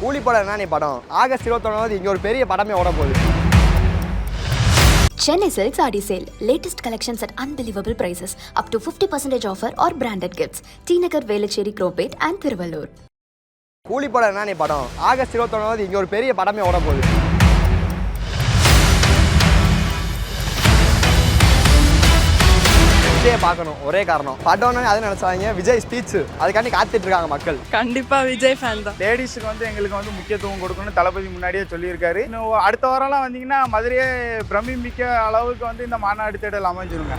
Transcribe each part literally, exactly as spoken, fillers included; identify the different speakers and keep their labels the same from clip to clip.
Speaker 1: கூலி படம் என்ன நீ படம் ஆகஸ்ட் இருபத்தொன்னாவது இங்கே ஒரு பெரிய படமே ஓட போகுது.
Speaker 2: Chennai Silks Adi Sale. Latest collections at unbelievable prices. Up to fifty percent offer or branded gifts. T Nagar, Velachery, Cropate and Thiruvallur.
Speaker 1: கூலி படம் என்ன நீ படம் ஆகஸ்ட் இருபத்தொன்னாவது இங்கே ஒரு பெரிய படமே ஓட போகுது. விஜயை பார்க்கணும் ஒரே காரணம். படம்னு அதை நினைச்சாங்க விஜய் ஸ்பீச் அதுக்காண்டி காத்துட்டு இருக்காங்க மக்கள்.
Speaker 3: கண்டிப்பா விஜய் ஃபேன் தான்.
Speaker 4: லேடிஸுக்கு வந்து எங்களுக்கு வந்து முக்கியத்துவம் கொடுக்கணும்னு தளபதி முன்னாடியே சொல்லியிருக்காரு. இன்னும் அடுத்த வாரம்லாம் வந்தீங்கன்னா மதுரையே பிரமிமிக்க அளவுக்கு வந்து இந்த மாநாடு தேடல் அமைஞ்சிருங்க.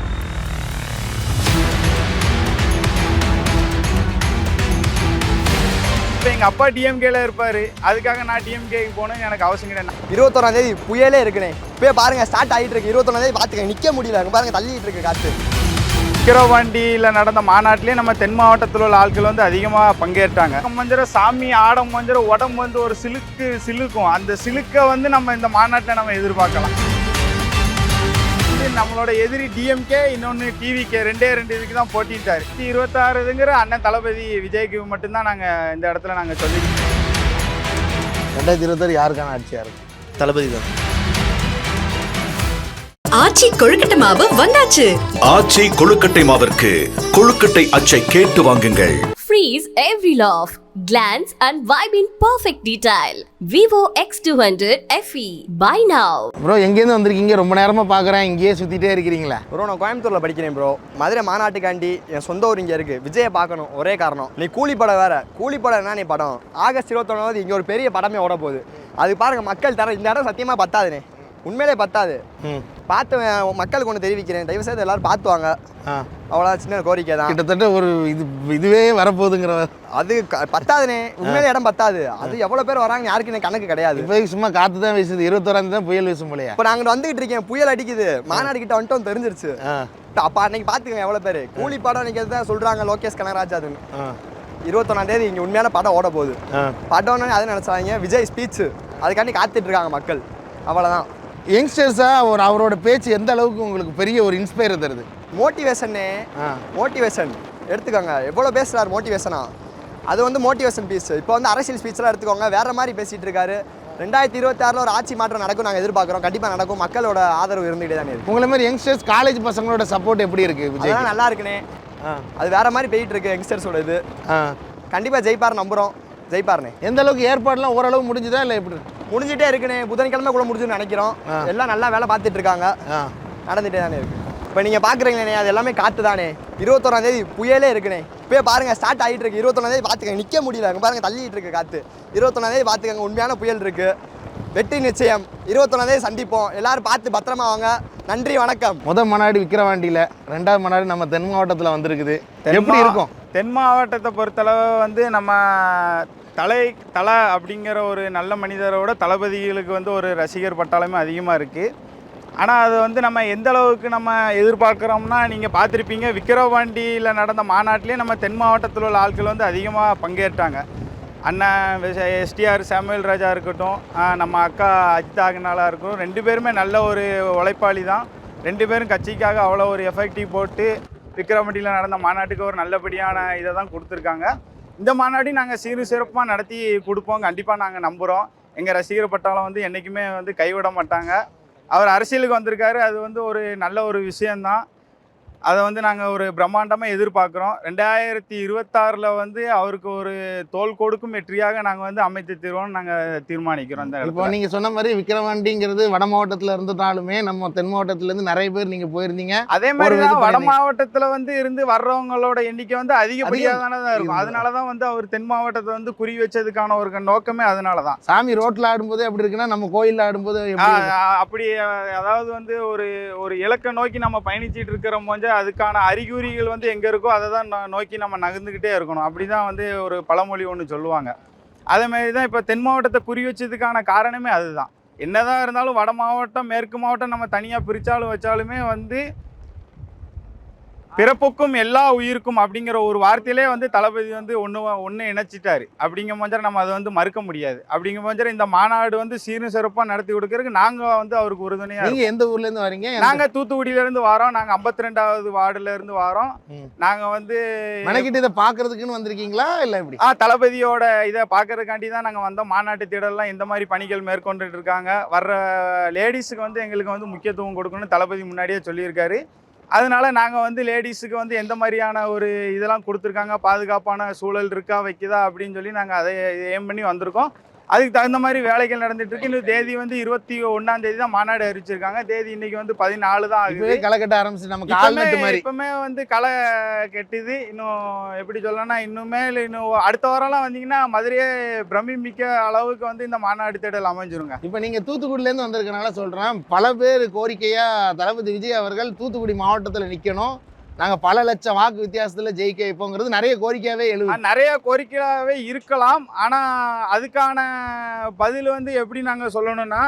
Speaker 4: இப்போ எங்கள் அப்பா டிஎம்கேல இருப்பார், அதுக்காக நான் டிஎம்கேக்கு போகணும்னு எனக்கு அவசியம் கிடையாது.
Speaker 1: இருபத்தொன்னாம் தேதி புயலே இருக்குனே இப்போ பாருங்க ஸ்டார்ட் ஆகிட்டு இருக்கு. இருபத்தொன்னாம் தேதி பார்த்துக்க நிற்க முடியல, அங்கே பாருங்க தள்ளிட்டு இருக்கு காற்று.
Speaker 4: விக்கிரவாண்டியில் நடந்த மாநாட்டிலே நம்ம தென் மாவட்டத்தில் உள்ள ஆட்கள் வந்து அதிகமாக பங்கேற்றாங்க. மஞ்சர சாமி ஆடம் மஞ்சர உடம்பு வந்து ஒரு சிலுக்கு சிலுக்கும், அந்த சிலுக்கை வந்து நம்ம இந்த மாநாட்டில் நம்ம எதிர்பார்க்கலாம். நம்மளோட எதிரி டிஎம்கே, இன்னொன்று டிவிகே, ரெண்டே ரெண்டு இதுக்கு தான் போட்டிட்டார். இருபத்தாறுங்கிற அண்ணன் தளபதி விஜய்க்கு மட்டும்தான் நாங்கள் இந்த இடத்துல நாங்கள் சொல்லிக்கிறோம்.
Speaker 1: ரெண்டாயிரத்தி இருபத்தாறு யாருக்கான ஆட்சியாக இருக்கும்? தளபதி தான்.
Speaker 5: ஆச்சி கொழுக்கட்டை மாவு வந்தாச்சு.
Speaker 6: ஆச்சி கொழுக்கட்டை மாவிற்கு கொழுக்கட்டை அச்சை கேட்டு வாங்குங்கள்.
Speaker 5: Freeze every love, glance and vibe in perfect detail. Vivo X two hundred F E. Buy now.
Speaker 7: Bro எங்கேருந்து வந்திருக்கீங்க? ரொம்ப நேரமாக பார்க்குறேன், இங்கேயே சுற்றிட்டே இருக்கிறீங்களா?
Speaker 1: ப்ரோ நான் கோயம்புத்தூரில் படிக்கிறேன் ப்ரோ. மதுரை மாநாட்டுக்காண்டி என் சொந்த ஊர் இங்கே இருக்குது. விஜயை பார்க்கணும் ஒரே காரணம். நீ கூலி படம் வேறு. கூலி படம் என்ன நீ படம் ஆகஸ்ட் இருபத்தொன்னாவது இங்கே ஒரு பெரிய படமே ஓட போகுது. அது பாருங்க மக்கள் தர இந்த இடம் சத்தியமாக பத்தாதுனே, உண்மையிலே பத்தாது. பார்த்து மக்களுக்கு ஒன்று தெரிவிக்கிறேன், தயவு செய்து எல்லாரும் பார்த்துவாங்க. அவ்வளோ சின்ன கோரிக்கை தான்.
Speaker 7: கிட்டத்தட்ட ஒரு இது இதுவே வரப்போகுதுங்கிற
Speaker 1: அது பத்தாதுனே, உண்மையிலே இடம் பத்தாது. அது எவ்வளோ பேர் வராங்க யாருக்கு எனக்கு கணக்கு கிடையாது.
Speaker 7: இப்போ சும்மா காற்று தான் வீசுது. இருபத்தோராம் தான் புயல் வீசும் போலையா?
Speaker 1: இப்போ நாங்கள் வந்துகிட்டு இருக்கேன், புயல் அடிக்குது, மாநாடு கிட்ட வந்துட்டோம் தெரிஞ்சிருச்சு. அப்போ அன்னைக்கு பார்த்துக்கங்க எவ்வளோ பேர். கூலி படம் அன்னைக்கு தான் சொல்கிறாங்க லோகேஷ் கனகராஜ் அதுன்னு. இருபத்தொன்னாம் தேதி இங்கே உண்மையான படம் ஓட போகுது. படம்னு அதை நினச்சாங்க விஜய் ஸ்பீச் அதுக்காண்டி காத்துட்டு இருக்காங்க மக்கள். அவ்வளோதான்.
Speaker 7: யங்ஸ்டர்ஸாக ஒரு அவரோட பேச்சு எந்த அளவுக்கு உங்களுக்கு பெரிய ஒரு இன்ஸ்பயர் தருது?
Speaker 1: மோட்டிவேஷனே மோட்டிவேஷன் எடுத்துக்கோங்க. எவ்வளோ பேசுகிறார் மோட்டிவேஷனா, அது வந்து மோட்டிவேஷன் பீஸ். இப்போ வந்து அரசியல் ஸ்பீச்லாம் எடுத்துக்கோங்க, வேறு மாதிரி பேசிகிட்டு இருக்காரு. ரெண்டாயிரத்தி இருபத்தி ஆறில் ஒரு ஆட்சி மாற்றம் நடக்கும் நாங்கள் எதிர்பார்க்குறோம். கண்டிப்பாக நடக்கும். மக்களோட ஆதரவு இருந்துகிட்டே தானே இருக்குது.
Speaker 7: உங்களை மாதிரி யங்ஸ்டர்ஸ் காலேஜ் பசங்களோட சப்போர்ட் எப்படி இருக்குது விஜய்?
Speaker 1: நல்லா இருக்குனே. அது வேறு மாதிரி போயிட்டு இருக்கு யங்ஸ்டர்ஸோட இது. கண்டிப்பாக ஜெயிப்பார் நம்புகிறோம். ஜெயிப்பார்னே.
Speaker 7: எந்த அளவுக்கு ஏற்பாடுலாம் ஓரளவு முடிஞ்சுதா இல்லை எப்படி?
Speaker 1: முடிஞ்சிட்டே இருக்குனே. புதன்கிழமை கூட முடிஞ்சுன்னு நினைக்கிறோம். எல்லாம் நல்லா வேலை பார்த்துட்டு இருக்காங்க, நடந்துகிட்டே தானே இருக்கு. இப்போ நீங்கள் பார்க்குறீங்களே அது எல்லாமே காற்று தானே. இருபத்தொன்னாம் தேதி புயலே இருக்குனே இப்போ பாருங்க ஸ்டார்ட் ஆகிட்டு இருக்கு. இருபத்தொன்னாம் தேதி பார்த்துக்கங்க நிற்க முடியல, அங்கே பாருங்க தள்ளிட்டு இருக்கு காற்று. இருபத்தொன்னாம் தேதி பார்த்துக்கங்க உண்மையான புயல் இருக்கு. வெற்றி நிச்சயம். இருபத்தொன்னாம் தேதி சந்திப்போம். எல்லாரும் பார்த்து பத்திரமா வாங்க. நன்றி, வணக்கம்.
Speaker 7: முதல் மாநாடு விக்கிரவாண்டியில், ரெண்டாவது மாநாடு நம்ம தென் மாவட்டத்தில் வந்திருக்குது. எப்படி இருக்கும்?
Speaker 4: தென் மாவட்டத்தை பொறுத்தளவு வந்து நம்ம தலை தலை அப்படிங்கிற ஒரு நல்ல மனிதரோட தளபதிகளுக்கு வந்து ஒரு ரசிகர் பட்டாளமே அதிகமாக இருக்குது. ஆனால் அது வந்து நம்ம எந்த அளவுக்கு நம்ம எதிர்பார்க்குறோம்னா, நீங்கள் பார்த்துருப்பீங்க விக்கிரவாண்டியில் நடந்த மாநாட்டிலே நம்ம தென் மாவட்டத்தில் உள்ள ஆட்கள் வந்து அதிகமாக பங்கேற்றாங்க. அண்ணன் எஸ்டிஆர் சாமுவேல் ராஜா இருக்கட்டும், நம்ம அக்கா அஜிதா அகனாலாக இருக்கட்டும், ரெண்டு பேருமே நல்ல ஒரு உழைப்பாளி தான். ரெண்டு பேரும் கட்சிக்காக அவ்வளோ ஒரு எஃபெக்டிவ் போட்டு விக்கிரவாண்டியில் நடந்த மாநாட்டுக்கு ஒரு நல்லபடியான இதை தான் கொடுத்துருக்காங்க. இந்த மாநாடி நாங்கள் சீரு சிறப்பாக நடத்தி கொடுப்போம். கண்டிப்பாக நாங்கள் நம்புகிறோம். எங்கள் ரசிகர் பட்டாளம் வந்து என்றைக்குமே வந்து கைவிட மாட்டாங்க. அவர் அரசியலுக்கு வந்திருக்காரு, அது வந்து ஒரு நல்ல ஒரு விஷயந்தான். அதை வந்து நாங்கள் ஒரு பிரம்மாண்டமாக எதிர்பார்க்குறோம். ரெண்டாயிரத்தி இருபத்தாறில் வந்து அவருக்கு ஒரு தோல் கொடுக்கும் வெற்றியாக நாங்கள் வந்து அமைத்து தருவோம்னு நாங்கள் தீர்மானிக்கிறோம்.
Speaker 7: இப்போ நீங்கள் சொன்ன மாதிரி விக்கிரவாண்டிங்கிறது வட மாவட்டத்தில் இருந்ததாலுமே நம்ம தென் மாவட்டத்திலேருந்து நிறைய பேர் நீங்கள் போயிருந்தீங்க.
Speaker 4: அதே மாதிரி தான் வட மாவட்டத்தில் வந்து இருந்து வர்றவங்களோட எண்ணிக்கை வந்து அதிகப்படியாக தானே தான் இருக்கும். அதனால தான் வந்து அவர் தென் மாவட்டத்தை வந்து குறி வச்சதுக்கான ஒரு நோக்கமே அதனால தான்.
Speaker 7: சாமி ரோட்டில் ஆடும்போது அப்படி இருக்குன்னா நம்ம கோயிலில் ஆடும்போது
Speaker 4: அப்படி, அதாவது வந்து ஒரு ஒரு இலக்கை நோக்கி நம்ம பயணிச்சுட்டு இருக்கிற போது அதுக்கான அறிகுறிகள் வந்து எங்கே இருக்கோ அதை தான் நோக்கி நம்ம நகர்ந்துக்கிட்டே இருக்கணும். அப்படி தான் வந்து ஒரு பழமொழி ஒன்று சொல்லுவாங்க. அதேமாரி தான் இப்போ தென் மாவட்டத்தை குறி வச்சதுக்கான காரணமே அதுதான். என்னதான் இருந்தாலும் வட மாவட்டம் மேற்கு மாவட்டம் நம்ம தனியாக பிரித்தாலும் வச்சாலுமே வந்து பிறப்புக்கும் எல்லா உயிருக்கும் அப்படிங்கிற ஒரு வார்த்தையிலே வந்து தளபதி வந்து ஒன்று ஒன்று இணைச்சிட்டாரு. அப்படிங்கும் போது நம்ம அதை வந்து மறுக்க முடியாது. அப்படிங்கும் போது இந்த மாநாடு வந்து சீரும் சிறப்பாக நடத்தி கொடுக்கறதுக்கு நாங்கள் வந்து அவருக்கு உறுதுணையாக.
Speaker 7: நீங்கள் எந்த ஊர்லேருந்து வரீங்க?
Speaker 4: நாங்கள் தூத்துக்குடியிலேருந்து வரோம். நாங்கள் ஐம்பத்தி ரெண்டாவது வார்டுலேருந்து வரோம். நாங்கள் வந்து
Speaker 7: மெனக்கிட்டு இதை பார்க்கறதுக்குன்னு வந்திருக்கீங்களா இல்லை எப்படி?
Speaker 4: ஆ தளபதியோட இதை பார்க்கறதுக்காண்டி தான் நாங்கள் வந்தோம். மாநாட்டு திடல்லாம் எந்த மாதிரி பணிகள் மேற்கொண்டுட்டு இருக்காங்க, வர்ற லேடிஸுக்கு வந்து எங்களுக்கு வந்து முக்கியத்துவம் கொடுக்கணும்னு தளபதி முன்னாடியே சொல்லியிருக்காரு. அதனால நாங்கள் வந்து லேடிஸுக்கு வந்து எந்த மாதிரியான ஒரு இதெல்லாம் கொடுத்துருக்காங்க, பாதுகாப்பான சூழல் இருக்கா வைக்குதா அப்படின்னு சொல்லி நாங்கள் அதை ஏம் பண்ணி வந்திருக்கோம். அதுக்கு தகுந்த மாதிரி வேலைகள் நடந்துட்டு இருக்கு. இன்னும் தேதி வந்து இருபத்தி ஒன்றாம் தேதி தான் மாநாடு அறிவிச்சிருக்காங்க. தேதி இன்னைக்கு வந்து பதினாலு தான் ஆகுது.
Speaker 7: களை கட்ட ஆரம்பிச்சு நம்ம கால்நட்டு மாதிரி
Speaker 4: இப்பவுமே வந்து களை கெட்டுது. இன்னும் எப்படி சொல்லணும்னா இன்னுமே இன்னும் அடுத்த வாரம்லாம் வந்தீங்கன்னா மதுரையே பிரமிமிக்க அளவுக்கு வந்து இந்த மாநாடு தேடல் அமைஞ்சிருங்க.
Speaker 7: இப்போ நீங்கள் தூத்துக்குடியிலேருந்து வந்திருக்கனால சொல்கிறேன், பல பேர் கோரிக்கையாக தளபதி விஜய் அவர்கள் தூத்துக்குடி மாவட்டத்தில் நிற்கணும், நாங்கள் பல லட்சம் வாக்கு வித்தியாசத்தில் ஜெயிக்க வைப்போங்கிறது நிறைய கோரிக்கையாகவே எழுது.
Speaker 4: நிறைய கோரிக்கையாகவே இருக்கலாம். ஆனால் அதுக்கான பதில் வந்து எப்படி நாங்கள் சொல்லணும்னா,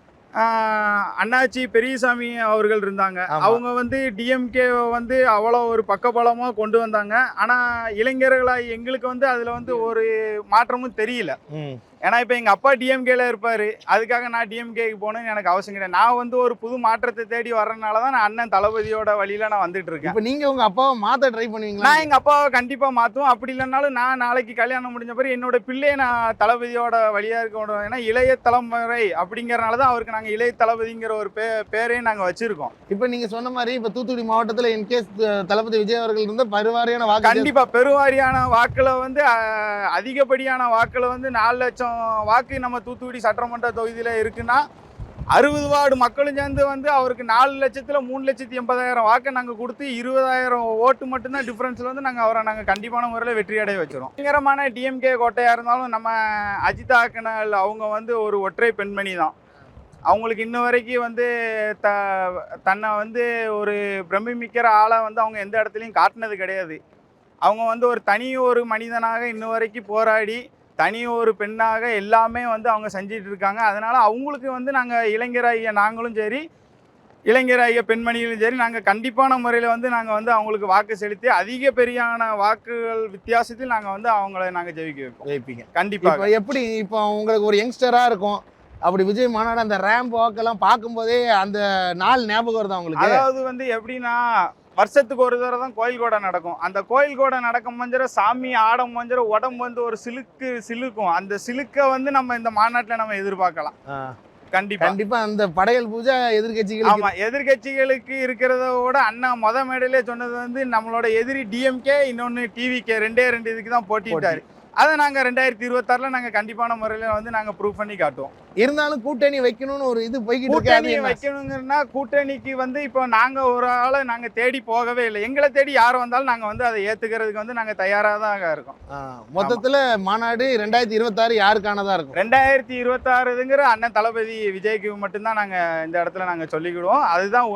Speaker 4: அண்ணாச்சி பெரியசாமி அவர்கள் இருந்தாங்க. அவங்க வந்து டிஎம்கே வந்து அவ்வளோ ஒரு பக்கபலமாக கொண்டு வந்தாங்க. ஆனால் இளைஞர்களாக எங்களுக்கு வந்து அதில் வந்து ஒரு மாற்றமும் தெரியல. ஏன்னா இப்போ எங்கள் அப்பா டிஎம்கேல இருப்பார், அதுக்காக நான் டிஎம்கேக்கு போகணுன்னு எனக்கு அவசியம் கிடையாது. நான் வந்து ஒரு புது மாற்றத்தை தேடி வர்றதுனால தான் நான் அண்ணன் தளபதியோட வழியில் நான் வந்துட்டு இருக்கேன்.
Speaker 7: இப்போ நீங்கள் உங்கள் அப்பாவை மாற்ற ட்ரை பண்ணுவீங்களா?
Speaker 4: நான் எங்கள் அப்பாவை கண்டிப்பாக மாற்றுவோம். அப்படி இல்லைனாலும் நான் நாளைக்கு கல்யாணம் முடிஞ்ச பிறகு என்னோட பிள்ளையை நான் தளபதியோட வழியாக இருக்க. ஏன்னா இளைய தலைமுறை அப்படிங்கிறனால தான் அவருக்கு நாங்கள் இளைய தளபதிங்கிற ஒரு பே பேரையும் நாங்கள் வச்சுருக்கோம்.
Speaker 7: இப்போ நீங்கள் சொன்ன மாதிரி இப்போ தூத்துக்குடி மாவட்டத்தில் இன்கேஸ் தளபதி விஜய் அவர்கள் இருந்த பெருவாரியான வாக்கு,
Speaker 4: கண்டிப்பாக பெருவாரியான வாக்கில் வந்து அதிகப்படியான வாக்கில் வந்து நாலு லட்சம் வாக்கு நம்ம தூத்துக்குடி சட்டமன்ற தொகுதியில் இருக்குன்னா அறுபது வார்டு மக்களும் சேர்ந்து வந்து அவருக்கு நாலு லட்சத்தில் மூணு லட்சத்தி எண்பதாயிரம் வாக்கை நாங்கள் கொடுத்து இருபதாயிரம் ஓட்டு மட்டும்தான் டிஃப்ரென்ஸில் வந்து நாங்கள் அவரை நாங்கள் கண்டிப்பான முறையில் வெற்றி அடைய வச்சிடும். பயங்கரமான டிஎம்கே கோட்டையாக இருந்தாலும் நம்ம அஜிதா அக்கனல் அவங்க வந்து ஒரு ஒற்றை பெண்மணி தான். அவங்களுக்கு இன்ன வரைக்கும் வந்து த தன்னை வந்து ஒரு பிரமிமிக்கிற ஆளை வந்து அவங்க எந்த இடத்துலையும் காட்டினது கிடையாது. அவங்க வந்து ஒரு தனி ஒரு மனிதனாக இன்ன வரைக்கும் போராடி தனி ஒரு பெண்ணாக எல்லாமே வந்து அவங்க செஞ்சிட்டு இருக்காங்க. அதனால் அவங்களுக்கு வந்து நாங்கள் இளைஞராகிய நாங்களும் சரி, இளைஞராகிய பெண்மணிகளும் சரி, நாங்கள் கண்டிப்பான முறையில் வந்து நாங்கள் வந்து அவங்களுக்கு வாக்கு செலுத்தி அதிக பெரியான வாக்குகள் வித்தியாசத்தில் நாங்கள் வந்து அவங்கள நாங்கள் ஜெயிக்க வைப்போம்.
Speaker 7: ஜெயிப்பீங்க
Speaker 4: கண்டிப்பாக.
Speaker 7: எப்படி இப்போ உங்களுக்கு ஒரு யங்ஸ்டராக இருக்கும், அப்படி விஜய் மாநாடு அந்த ரேம்ப் வாக்கெல்லாம் பார்க்கும்போதே அந்த நாள் ஞாபகம் வருது அவங்களுக்கு?
Speaker 4: அதாவது வந்து எப்படின்னா வருஷத்துக்கு ஒரு தடவை தான் கோயில் கூட நடக்கும். அந்த கோயில் கூட நடக்கும் மஞ்சர சாமி ஆடம் மஞ்சர உடம்பு வந்து ஒரு சிலுக்கு சிலுக்கும். அந்த சிலுக்கை வந்து நம்ம இந்த மாநாட்டில் நம்ம எதிர்பார்க்கலாம். கண்டிப்பா
Speaker 7: கண்டிப்பா அந்த படையல் பூஜை எதிர்கட்சிகள்,
Speaker 4: ஆமா எதிர்கட்சிகளுக்கு இருக்கிறத விட அண்ணா மொத மேடையிலே சொன்னது வந்து நம்மளோட எதிரி டிஎம்கே, இன்னொன்னு டிவிகே, ரெண்டே ரெண்டு இதுக்கு தான் போட்டிட்டாரு. அதை நாங்கள் ரெண்டாயிரத்தி இருபத்தாறுல நாங்கள் கண்டிப்பான முறையில் வந்து நாங்கள் ப்ரூவ் பண்ணி காட்டுவோம்.
Speaker 7: இருந்தாலும் கூட்டணி வைக்கணும்னு ஒரு இது போய்கிட்டு
Speaker 4: கூட்டணி வைக்கணுங்கன்னா கூட்டணிக்கு வந்து இப்போ நாங்கள் ஒரு ஆளை நாங்கள் தேடி போகவே இல்லை. எங்களை தேடி யார் வந்தாலும் நாங்கள் வந்து அதை ஏற்றுக்கிறதுக்கு வந்து நாங்கள் தயாராக தான் இருக்கோம்.
Speaker 7: மொத்தத்தில் மாநாடு ரெண்டாயிரத்தி இருபத்தாறு யாருக்கானதாக இருக்கும்?
Speaker 4: ரெண்டாயிரத்தி இருபத்தாறுங்கிற அண்ணன் தளபதி விஜய்க்கு மட்டும்தான் நாங்கள் இந்த இடத்துல நாங்கள் சொல்லிக்கிடுவோம். அதுதான்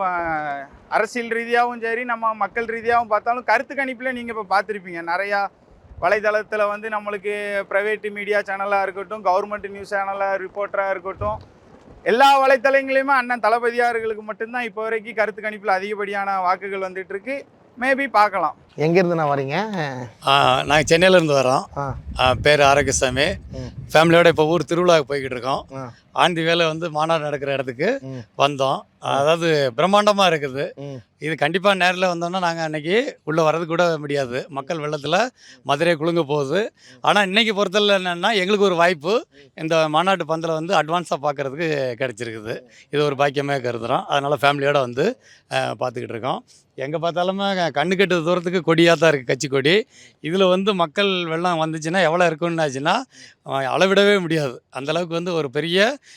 Speaker 4: அரசியல் ரீதியாகவும் சரி, நம்ம மக்கள் ரீதியாகவும் பார்த்தாலும் கருத்து கணிப்பில் நீங்கள் இப்போ பார்த்துருப்பீங்க. நிறையா வலைதளத்தில் வந்து நம்மளுக்கு ப்ரைவேட் மீடியா சேனலாக இருக்கட்டும், கவர்மெண்ட் நியூஸ் சேனலாக ரிப்போர்ட்டராக இருக்கட்டும், எல்லா வலைத்தளங்களையுமே அண்ணன் தளபதியார்களுக்கு மட்டும்தான் இப்போ வரைக்கும் கருத்து கணிப்பில் அதிகப்படியான வாக்குகள் வந்துட்டு இருக்கு. மேபி பார்க்கலாம்.
Speaker 7: எங்கேருந்து நான் வரீங்க?
Speaker 3: நாங்கள் சென்னையிலேருந்து வரோம். பேர் ஆரோக்கியசாமி. ஃபேமிலியோட இப்போ ஊர் திருவிழாவுக்கு போய்கிட்டு இருக்கோம். ஆண்டி வேலை வந்து மாநாடு நடக்கிற இடத்துக்கு வந்தோம். அதாவது பிரம்மாண்டமாக இருக்குது. இது கண்டிப்பாக நேரில் வந்தோம்னா நாங்கள் அன்றைக்கி உள்ளே வர்றது கூட முடியாது. மக்கள் வெள்ளத்தில் மதுரை குலுங்க போகுது. ஆனால் இன்றைக்கி பொறுத்தல என்னென்னா எங்களுக்கு ஒரு வாய்ப்பு இந்த மாநாட்டு பந்தில் வந்து அட்வான்ஸாக பார்க்குறதுக்கு கிடச்சிருக்குது. இது ஒரு பாக்கியமே கருதுகிறோம். அதனால் ஃபேமிலியோடு வந்து பார்த்துக்கிட்டு இருக்கோம். எங்கே பார்த்தாலுமே கண்ணு கெட்டு தூரத்துக்கு கொடியாக தான் இருக்குது, கட்சி கொடி. இதில் வந்து மக்கள் வெள்ளம் வந்துச்சுன்னா எவ்வளோ இருக்குன்னு ஆச்சுன்னா அளவிடவே முடியாது. அந்தளவுக்கு வந்து ஒரு பெரிய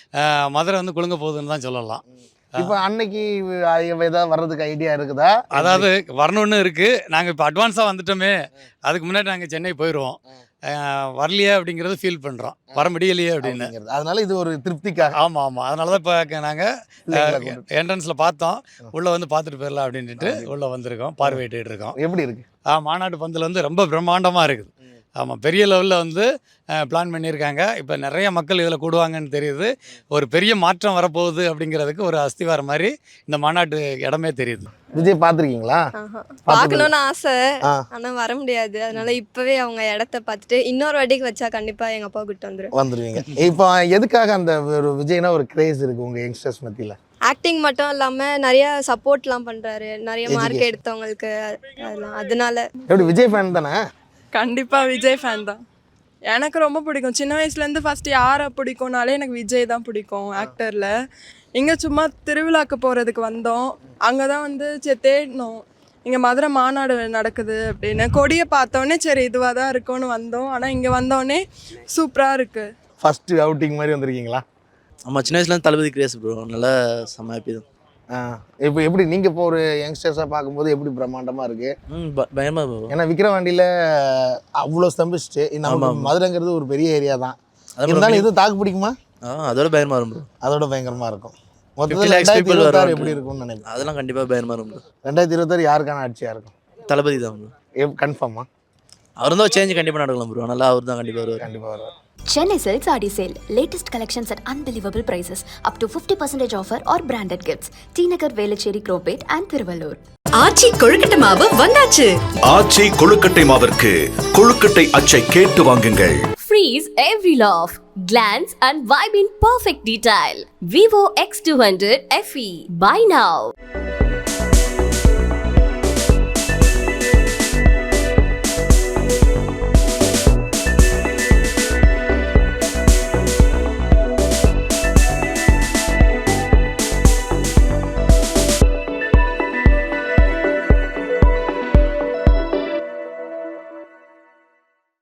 Speaker 3: மதுரை வந்து குலுங்க போகுதுன்னு தான் சொல்லலாம்.
Speaker 7: இப்போ அன்னைக்கு ஏதாவது வர்றதுக்கு ஐடியா இருக்குதா?
Speaker 3: அதாவது வரணுன்னு இருக்குது. நாங்கள் இப்போ அட்வான்ஸாக வந்துட்டோமே, அதுக்கு முன்னாடி நாங்கள் சென்னை போயிடுவோம். வரலையே அப்படிங்கிறது ஃபீல் பண்ணுறோம், வர முடியலையே அப்படின்னு.
Speaker 7: அதனால இது ஒரு திருப்திக்காக.
Speaker 3: ஆமாம் ஆமாம் அதனால தான் இப்போ நாங்கள் என்ட்ரன்ஸில் பார்த்தோம், உள்ளே வந்து பார்த்துட்டு போயிடலாம் அப்படின்ட்டு உள்ளே வந்திருக்கோம், பார்வையிட்டு இருக்கோம்.
Speaker 7: எப்படி இருக்குது?
Speaker 3: ஆ மாநாட்டு பந்தில் வந்து ரொம்ப பிரம்மாண்டமாக இருக்குது. ஆமாம், பெரிய லெவலில் வந்து பிளான் பண்ணியிருக்காங்க. இப்போ நிறைய மக்கள் இதில் கூடுவாங்கன்னு தெரியுது. ஒரு பெரிய மாற்றம் வரப்போகுது அப்படிங்கிறதுக்கு ஒரு அஸ்திவாரம் மாதிரி இந்த மாநாட்டு இடமே தெரியுது.
Speaker 7: விஜய் பார்த்துருக்கீங்களா?
Speaker 8: பார்க்கணும்னு ஆசை,
Speaker 7: ஆ.
Speaker 8: ஆனால் வர முடியாது. அதனால இப்போவே அவங்க இடத்த பார்த்துட்டு இன்னொரு வாட்டிக்கு வச்சா கண்டிப்பாக எங்கள் அப்பா கிட்ட வந்துடும்.
Speaker 7: வந்துடுவீங்க. இப்போ எதுக்காக அந்த ஒரு விஜய்னா ஒரு கிரேஸ் இருக்குது உங்கள் யங்ஸ்டர்ஸ் மத்தியில்?
Speaker 8: ஆக்டிங் மட்டும் இல்லாமல் நிறைய சப்போர்ட்லாம் பண்ணுறாரு, நிறைய மார்க்
Speaker 7: Education.
Speaker 8: எடுத்தவங்களுக்கு. அதெல்லாம் அதனால
Speaker 7: எப்படி விஜய் ஃபேன் தானே?
Speaker 9: கண்டிப்பாக விஜய் ஃபேன் தான். எனக்கு ரொம்ப பிடிக்கும். சின்ன வயசுலேருந்து ஃபஸ்ட்டு யாரை பிடிக்கும்னாலே எனக்கு விஜய் தான் பிடிக்கும் ஆக்டரில். இங்கே சும்மா திருவிழாக்கு போகிறதுக்கு வந்தோம். அங்கே தான் வந்து சரி தேடினோம், இங்கே மதுரை மாநாடு நடக்குது அப்படின்னு. கொடியை பார்த்தோன்னே சரி இதுவாக தான் இருக்கும்னு வந்தோம். ஆனால் இங்கே வந்தோடனே சூப்பராக இருக்குது.
Speaker 7: ஃபஸ்ட்டு அவுட்டிங் மாதிரி வந்திருக்கீங்களா?
Speaker 10: ஆமாம், சின்ன வயசுலேருந்து தளபதி கிரேஸ் ப்ரோ, நல்லா செம்ம ஹாப்பி தான்.
Speaker 7: ஆ, இப்போ எப்படி நீங்கள் இப்போ ஒரு யங்ஸ்டர்ஸாக பார்க்கும்போது எப்படி பிரம்மாண்டமாக இருக்குது?
Speaker 10: ம் ப பயமாக ப்ரோ.
Speaker 7: ஏன்னா விக்கிரவாண்டியில் அவ்வளோ ஸ்தம்பிச்சுட்டு நம்ம
Speaker 10: ஆமா.
Speaker 7: மதுரைங்கிறது ஒரு பெரிய ஏரியா தான்.
Speaker 10: அதான்
Speaker 7: இருந்தாலும்
Speaker 10: bro,
Speaker 7: எதுவும் தாக்கு பிடிக்குமா?
Speaker 10: ஆ அதோட பயமாக இருக்கும் ப்ரோ.
Speaker 7: அதோட பயங்கரமாக இருக்கும்.
Speaker 10: fifty
Speaker 7: மொத்தத்தில்
Speaker 10: lakhs
Speaker 7: ரெண்டாயிரத்தி
Speaker 10: people
Speaker 7: இருபத்தாறு
Speaker 10: வருவாங்க.
Speaker 7: எப்படி இருக்கும்னு நினைக்கிறேன்.
Speaker 10: அதெல்லாம் கண்டிப்பாக பயமாக இருக்கும் ப்ரோ.
Speaker 7: ரெண்டாயிரத்தி இருபத்தாறு யாருக்கான ஆட்சியாக இருக்கும்?
Speaker 10: தளபதி தான் ப்ரோ.
Speaker 7: எப் கன்ஃபார்மா?
Speaker 10: அவர் தான் சேஞ்ச் கண்டிப்பாக நடக்கலாம் ப்ரோ. நல்லா அவர் தான் கண்டிப்பாக வருவார்.
Speaker 7: கண்டிப்பாக வருவார்.
Speaker 2: Chennai Silks Adi Sale. Latest collections at unbelievable prices. Up to fifty percent offer or branded gifts. T Nagar, Velachery, Cropate and Thiruvallur.
Speaker 5: ஆச்சி கொழுக்கட்டை மாவு வந்தாச்சு.
Speaker 6: ஆச்சி கொழுக்கட்டை மாவிற்கு கொழுக்கட்டை அச்சை கேட்டு வாங்குங்கள்.
Speaker 5: Freeze every love. Glance and vibe in perfect detail. Vivo X two hundred F E. Buy now.